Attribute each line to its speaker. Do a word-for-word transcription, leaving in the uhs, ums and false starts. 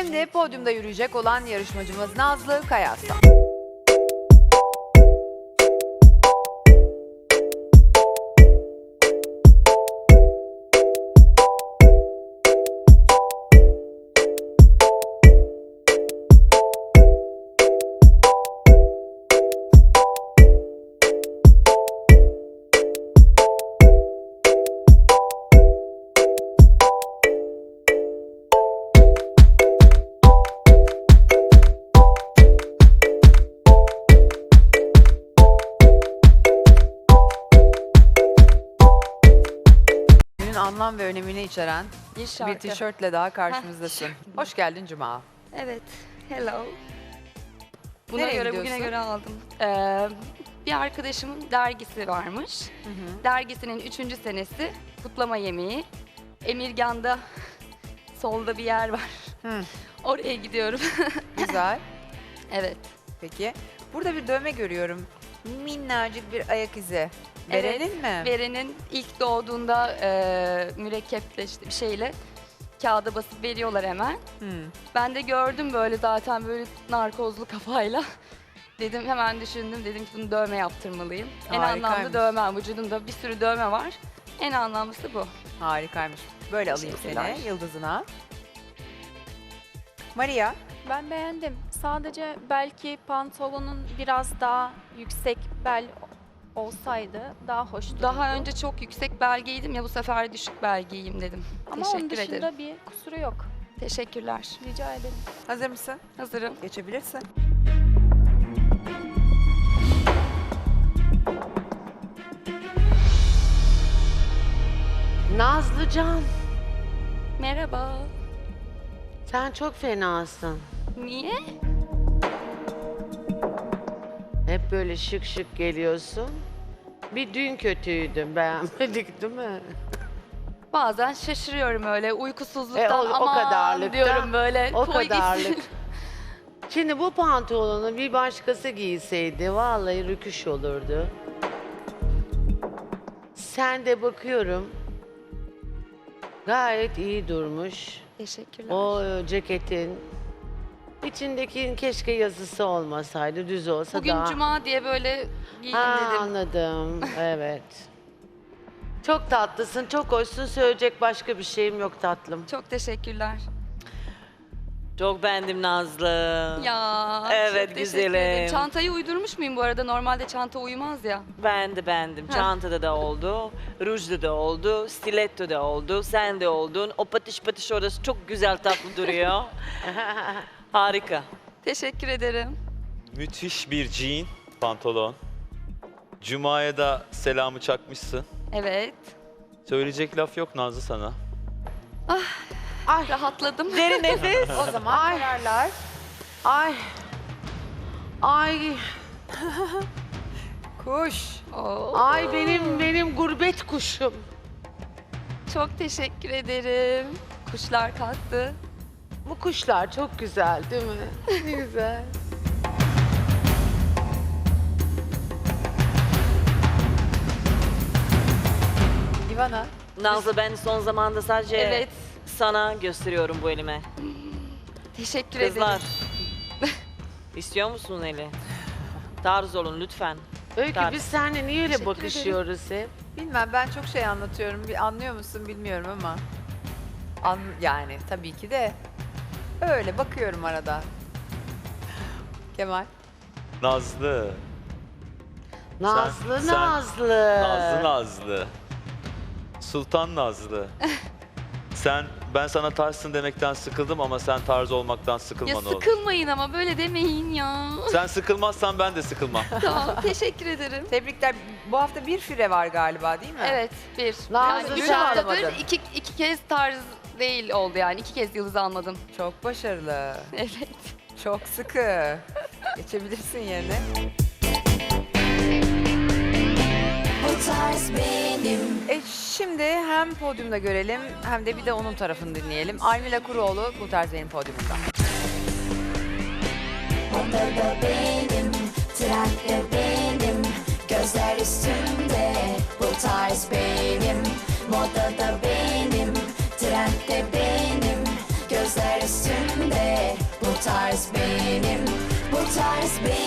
Speaker 1: Şimdi podyumda yürüyecek olan yarışmacımız Nazlı Kayaslan. Anlam ve önemini içeren
Speaker 2: Bir şarkı.
Speaker 1: bir tişörtle daha karşımızdasın. Hoş geldin Cuma.
Speaker 2: Evet. Hello. Buna
Speaker 1: Nereye
Speaker 2: göre
Speaker 1: gidiyorsun?
Speaker 2: bugüne göre aldım. Ee, bir arkadaşımın dergisi varmış.
Speaker 1: Hı hı.
Speaker 2: Dergisinin üçüncü senesi kutlama yemeği. Emirgan'da solda bir yer var.
Speaker 1: Hı,
Speaker 2: Oraya gidiyorum.
Speaker 1: güzel.
Speaker 2: Evet.
Speaker 1: Peki. Burada bir dövme görüyorum. Minnacık bir ayak izi. Verelim mi?
Speaker 2: Beren'in ilk doğduğunda e, mürekkeple işte bir şeyle kağıda basıp veriyorlar hemen.
Speaker 1: Hı.
Speaker 2: Ben de gördüm böyle zaten böyle narkozlu kafayla. Dedim hemen düşündüm dedim ki bunu dövme yaptırmalıyım. En
Speaker 1: Harikaymış.
Speaker 2: anlamlı dövme, vücudumda bir sürü dövme var. En anlamlısı bu.
Speaker 1: Harikaymış. Böyle alayım
Speaker 2: Teşekkürler.
Speaker 1: seni yıldızına. Maria.
Speaker 3: Ben beğendim. Sadece belki pantolonun biraz daha yüksek bel olsaydı daha hoş dururdu.
Speaker 2: Daha önce çok yüksek bel giydim ya bu sefer düşük bel giyeyim dedim.
Speaker 3: Ama onun
Speaker 2: Teşekkür
Speaker 3: dışında
Speaker 2: ederim.
Speaker 3: bir kusuru yok.
Speaker 2: Teşekkürler.
Speaker 3: Rica ederim.
Speaker 1: Hazır mısın?
Speaker 2: Hazırım.
Speaker 1: Geçebilirsin.
Speaker 4: Nazlıcan,
Speaker 2: Merhaba.
Speaker 4: sen çok fenasın.
Speaker 2: Niye?
Speaker 4: Hep böyle şık şık geliyorsun. Bir dün kötüydün, beğenmedik değil mi?
Speaker 2: Bazen şaşırıyorum öyle uykusuzluktan
Speaker 4: E, o- o
Speaker 2: aman
Speaker 4: kadarlıkta,
Speaker 2: diyorum böyle.
Speaker 4: O
Speaker 2: koy
Speaker 4: kadarlık.
Speaker 2: gitsin.
Speaker 4: Şimdi bu pantolonu bir başkası giyseydi vallahi rüküş olurdu. Sen de bakıyorum gayet iyi durmuş.
Speaker 2: Teşekkürler.
Speaker 4: O e, ceketin içindeki keşke yazısı olmasaydı, düz olsa
Speaker 2: Bugün
Speaker 4: daha...
Speaker 2: cuma diye böyle giydim
Speaker 4: Ha,
Speaker 2: dedim.
Speaker 4: anladım. Evet. Çok tatlısın, çok hoşsun. Söyleyecek başka bir şeyim yok tatlım.
Speaker 2: Çok teşekkürler.
Speaker 5: Çok beğendim Nazlı.
Speaker 2: Ya
Speaker 5: Evet,
Speaker 2: çok teşekkür
Speaker 5: güzelim.
Speaker 2: ederim. Çantayı uydurmuş muyum bu arada? Normalde çanta uymaz ya.
Speaker 5: Ben de beğendim.
Speaker 2: Ha.
Speaker 5: Çantada da oldu, rujda da oldu, stiletto da oldu, sen de oldun. O patış patış orası çok güzel tatlı duruyor. Harika.
Speaker 2: Teşekkür ederim.
Speaker 6: Müthiş bir jean, pantolon. Cuma'ya da selamı çakmışsın.
Speaker 2: Evet.
Speaker 6: Söyleyecek laf yok Nazlı sana.
Speaker 4: Ay,
Speaker 2: Rahatladım.
Speaker 4: derin nefes.
Speaker 1: O zaman kararlar.
Speaker 4: Ay. Ay.
Speaker 1: Kuş.
Speaker 2: Oo,
Speaker 4: Ay benim benim gurbet kuşum.
Speaker 2: çok teşekkür ederim. Kuşlar kalktı.
Speaker 4: Bu kuşlar çok güzel değil mi? Ne güzel.
Speaker 1: Ivana.
Speaker 5: Nazlı ben son zamanda sadece
Speaker 2: Evet.
Speaker 5: sana gösteriyorum bu elime.
Speaker 2: Teşekkür
Speaker 5: Kızlar.
Speaker 2: ederim.
Speaker 5: İstiyor musun eli? Tarz olun lütfen.
Speaker 4: Öykü
Speaker 5: Tarz.
Speaker 4: biz seninle niye öyle
Speaker 2: Teşekkür
Speaker 4: bakışıyoruz hep?
Speaker 1: Bilmem ben çok şey anlatıyorum. Bir anlıyor musun bilmiyorum ama. An yani tabii ki de öyle bakıyorum arada. Kemal.
Speaker 6: Nazlı.
Speaker 4: Nazlı
Speaker 6: sen-
Speaker 4: Nazlı.
Speaker 6: Nazlı Nazlı. Sultan Nazlı. Sen, ben sana tarzsın demekten sıkıldım ama sen tarz olmaktan sıkılma
Speaker 2: Ya
Speaker 6: ne olur.
Speaker 2: sıkılmayın ama böyle demeyin ya.
Speaker 6: Sen sıkılmazsan ben de sıkılmam.
Speaker 2: Tamam teşekkür ederim.
Speaker 1: Tebrikler. Bu hafta bir fire var galiba değil mi?
Speaker 2: Evet bir.
Speaker 4: Nazlı
Speaker 2: yani üç
Speaker 1: sen-
Speaker 2: haftadır
Speaker 1: alamadın.
Speaker 2: iki, iki kez tarz değil oldu yani. iki kez yıldız almadım.
Speaker 1: Çok başarılı.
Speaker 2: Evet.
Speaker 1: Çok sıkı. Geçebilirsin yerine. E şimdi hem podyumda görelim hem de bir de onun tarafını dinleyelim. Almila Kuroğlu bu tarz benim podyumumda.
Speaker 7: Odada benim, trende benim, gözler üstümde, bu tarz benim. Modada benim, trendde benim, gözler üstümde, tarz benim, bu tarz benim.